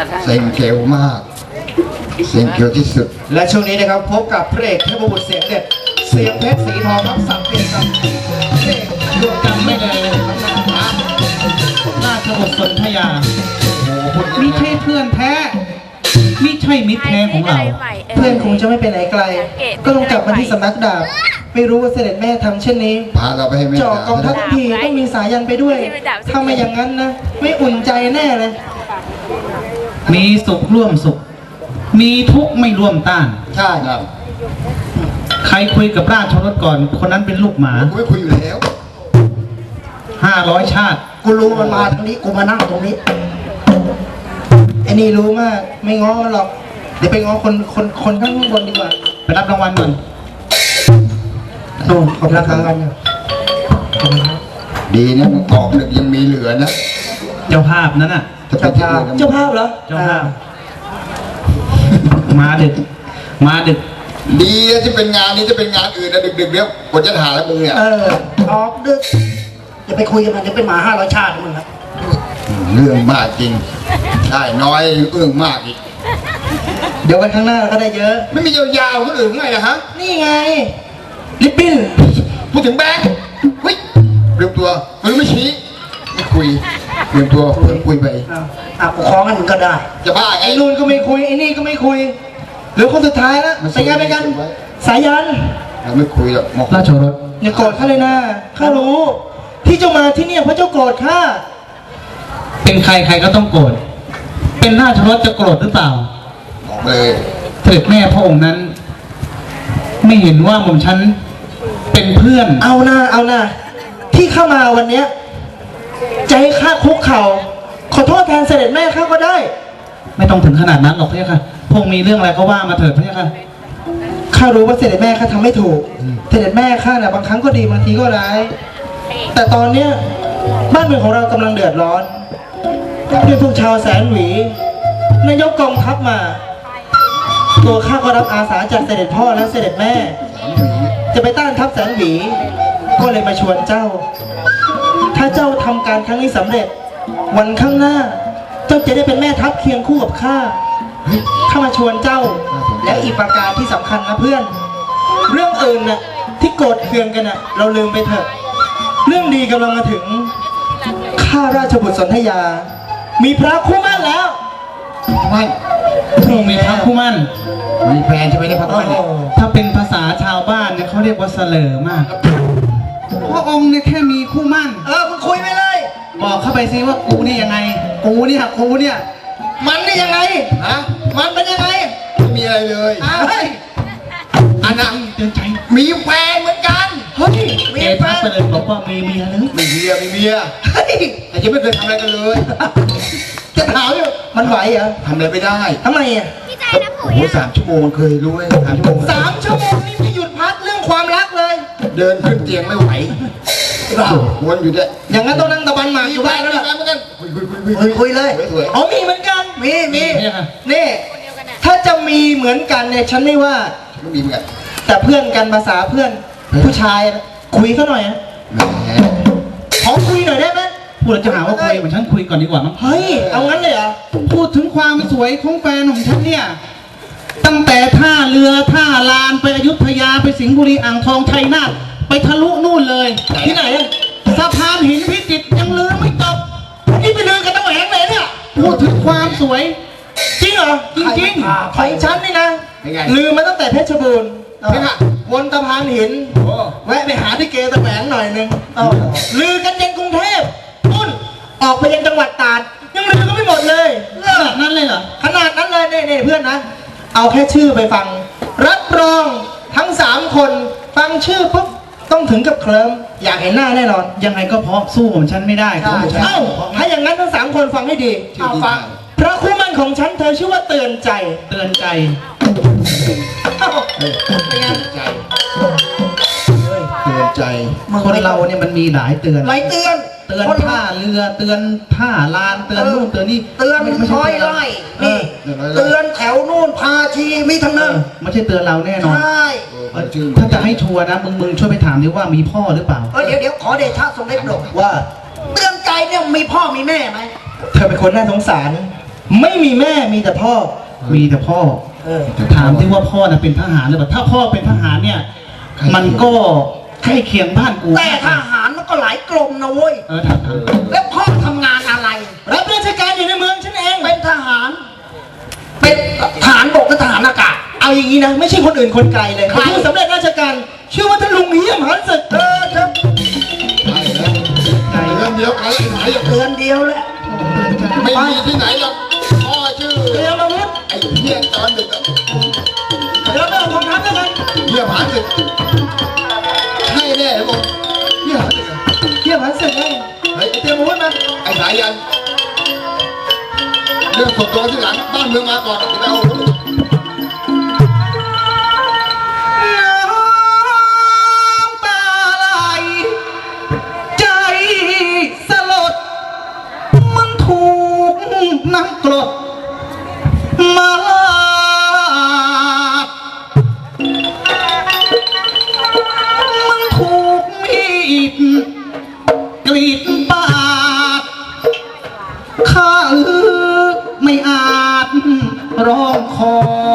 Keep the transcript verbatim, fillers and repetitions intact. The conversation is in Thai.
เซ็งเกลมากเซ็งเกลที่สุดและช่วงนี้นะครับพบกับพระเอกเทพบุตรเสียงเด็ดเสียงเพชรสีทองครับสับเปลี่ยนกับพระเอกดวงจันทร์ไม่เลยราชบุตรสนธยามิใช่เพื่อนแท้มิใช่มิตรแท้ของเราเพื่อนคงจะไม่ไปไหนไกลก็ลงกลับมาที่สำนักดาบไม่รู้ว่าเสด็จแม่ทำเช่นนี้พาเราไปให้แม่จ่อกองทัพทีต้องมีสายันไปด้วยถ้าไม่อย่างนั้นนะไม่อุ่นใจแน่เลยมีสุขร่วมสุขมีทุกข์ไม่ร่วมต้านใช่ครับใครคุยกับราชรถก่อนคนนั้นเป็นลูกหมากูไม่คุยอยู่แล้วห้าร้อยชาติกูรู้มันมาตรงนี้กูมานั่งตรงนี้ไอ้นี่รู้มากไม่ง้อหรอกเดี๋ยวไปง้อคนคนคนข้างบนดีกว่าไปรับรางวัลก่อนโอ้ขอบคุณครับดีนะมึงออกดึกยังมีเหลือนะเจ้าภาพนั้นน่ะเจ้าภาพเจ้าภาพเหรอเจ้าภาพมาดึกมาดึกดีที่เป็นงานนี้จะเป็นงานอื่นนะดึกๆเนี้ยกดจะหาแล้วมึงเนี่ยเออออกดึกอย่าไปคุยกับมันเดี๋ยวเป็นหมาห้าร้อยชาติมึงครับเรื่องมากจริงใช่น้อยเอื้องมากอีกเดี๋ยววันข้างหน้าก็ได้เยอะไม่มียาวๆคนอื่นไงนะฮะนี่ไงลิปปิ้นพูดถึงแบงค์เฮ้ยเรียมตัวมือไม่ชี้ไม่คุยเรียมตัวคุยไปอ่ะปกครองกันก็ได้จะบ้าไงไอ้นู่นก็ไม่คุยไอ้นี่ก็ไม่คุยหรือคนสุดท้ายแล้วสายันไปกันสายันเราไม่คุยหรอกราชรถอย่าโกรธข้าเลยนะข้ารู้ที่เจ้ามาที่นี่เพราะเจ้าโกรธข้าเป็นใครใครก็ต้องโกรธเป็นราชรถจะโกรธหรือเปล่าบอกเลยเสด็จแม่พระองค์นั้นไม่เห็นว่าหม่อมฉันเป็นเพื่อนเอาหน้าเอาหน้าที่เข้ามาวันเนี้ยใจข้าคุกเข่าขอโทษแทนเสด็จแม่ข้าก็ได้ไม่ต้องถึงขนาดนั้นหรอกพี่ค่ะพงมีเรื่องอะไรก็ว่ามาเถิดพี่ค่ะข้ารู้ว่าเสด็จแม่ข้าทำไม่ถูกเสด็จแม่ข้าน่ะบางครั้งก็ดีบางทีก็ร้ายแต่ตอนเนี้ยบ้านเมืองของเรากำลังเดือดร้อนด้วยพวกชาวแสนหวีนายกกองทัพมาตัวข้าก็รับอาสาจากเสด็จพ่อและเสด็จแม่จะไปต้านทัพแสนหวีก็เลยมาชวนเจ้าถ้าเจ้าทำการครั้งนี้สำเร็จวันข้างหน้าเจ้าจะได้เป็นแม่ทัพเคียงคู่กับข้าข้ามาชวนเจ้าและอีกประการที่สำคัญนะเพื่อนเรื่องอื่นน่ะที่โกรธเคืองกันน่ะเราลืมไปเถอะเรื่องดีกำลังมาถึงข้าราชบุตรสนธยามีพระคู่มั่นแล้วไม่พระองค์มีพระคู่มั่นมีแฟนใช่ไหมเนี่ยพระคู่มั่นถ้าเป็นภาษาชาวบ้านเนี่ยเขาเรียกว่าเสลอมากพระองค์เนี่ยแค่มีคู่มั่นเออมึงคุยไปเลยบอกเข้าไปซิว่ากูนี่ยังไงกูเนี่ยกูเนี่ยมันนี่ยังไงฮะมันเป็นยังไงไม่มีอะไรเลยเฮ้ยอันนั้นเตือนใจมีแฟนเหมือนกันเฮ้ยมีแฟนไปเลยบอกว่ามีเมียหรือไม่เมียไม่เมียเฮ้ยแต่ยังไม่เคยทำอะไรกันเลยจะถามอยู่มันไหวเหรอทำอะไรไม่ได้ทำไมอ่ะโอ้โหสามชั่วโมงเคยรู้ไหมสามชั่วโมงสามชั่วโมงนี่ไม่หยุดพักเรื่องความรักเลยเดินขึ้นเตียงไม่ไหววนอยู่เนี่ยอย่างนั้นต้องนั่งตะบันหมากอยู่บ้านแล้วล่ะคุยคุยคุยคุยเลยอ๋อมีเหมือนกันมีมีนี่ถ้าจะมีเหมือนกันเนี่ยฉันไม่ว่าไม่มีเหมือนกันแต่เพื่อนกันภาษาเพื่อนผู้ชายคุยเขาหน่อยนะขอคุยหน่อยได้ไหมพูดจะหาว่าคุยเหมือนฉันคุยก่อนดีกว่ามั้งเฮ้ยเอางั้นเลยเหรอพูดถึงความสวยของแฟนของฉันเนี่ยตั้งแต่ท่าเรือท่าลานไปอยุธยาไปสิงห์บุรีอ่างทองชัยนาทไปทะลุนู่นเลยที่ไหนอะสะพานหินพิจิตรยังลืมไม่จบนี่ไปลืมกันตั้งแหงเลยเนี่ยพูดถึงความสวยจริงเหรอจริงๆของฉันนี่นะลืมมาตั้งแต่เพชรบูรณ์วนสะพานหินแวะไปหาที่เกตะแหงหน่อยนึงลือกันยังกรุงเทพนุ่นออกไปยังจังหวัดตราดยังลือก็ไม่หมดเลยขนาดนั้นเลยเหรอขนาดนั้นเลยเนี่ยเพื่อนนะเอาแค่ชื่อไปฟังรับรองทั้งสามคนฟังชื่อปุ๊บต้องถึงกับเคลิ้มอยากเห็นหน้าแน่นอนยังไงก็เพราะสู้ผมฉันไม่ได้เอ้าถ้าอย่างนั้นทั้งสามคนฟังให้ดีเอาฟังพระคู่มั่นของฉันเธอชื่อว่าเตือนใจเตือนใจเตือนใจเตือนใจคนเราเนี่ยมันมีหลายเตือนหลายเตือนเตือนท่าเรือเตือนท่าลานเตือนนู่นเตือนนี่เตือนคอยไล่นี่เตือนแถวนู่นพาชีมีทั้งนั้นไม่ใช่เตือนเราแน่นอนใช่ถ้าจะให้ชัวร์นะมึงมึงช่วยไปถามดิว่ามีพ่อหรือเปล่าเดี๋ยวเดี๋ยวขอเดชะทรงเด็จหลวงว่าเตือนใจเนี่ยมีพ่อมีแม่ไหมเธอเป็นคนน่าสงสารไม่มีแม่มีแต่พ่อมีแต่พ่อเออถามที่ว่าพ่อน่ะเป็นทหารหรือเปล่าถ้าพ่อเป็นทหารเนี่ย มันก็ใกล้เคียงบ้านกูแต่ทหารมันก็หลายกรมนะเว้ยเออถามถามแล้วพ่อทำงานอะไรรับราชการอยู่ในเมืองฉันเองเป็นทหาร เป็นทหารบกกับทหารอากาศเอาอย่างนี้นะ ไม่ใช่คนอื่นคนไกลเลยใครผู้สำเร็จราชการชื่อว่าท่านลุงเฮียมหันศึกเออครับใช่แล้วเรื่องเดียวกันไอ้ไหนอะเดือนเดียวแหละไม่มีที่ไหนหรอกพ่อชื่อเตรียมอาวุธไอ้เหี้ยตอนดึกอะเดี๋ยวไปเอาของทัพแล้วกันเหี้ยผาศึกใช่แน่เลยมึงเหี้ยผาศึกอะเฮียมหันศึกไงเฮ้ยเตรียมอาวุธมาไอ้สายัน เรื่องส่วนตัวที่หลังบ้านเมืองมาก่อนจะไปเอาน้ำตาไหลใจสลด มันถูกน้ำกรดมาลาดมันถูกมีดกรีดปาดข้าเออไม่อาจร้องขอ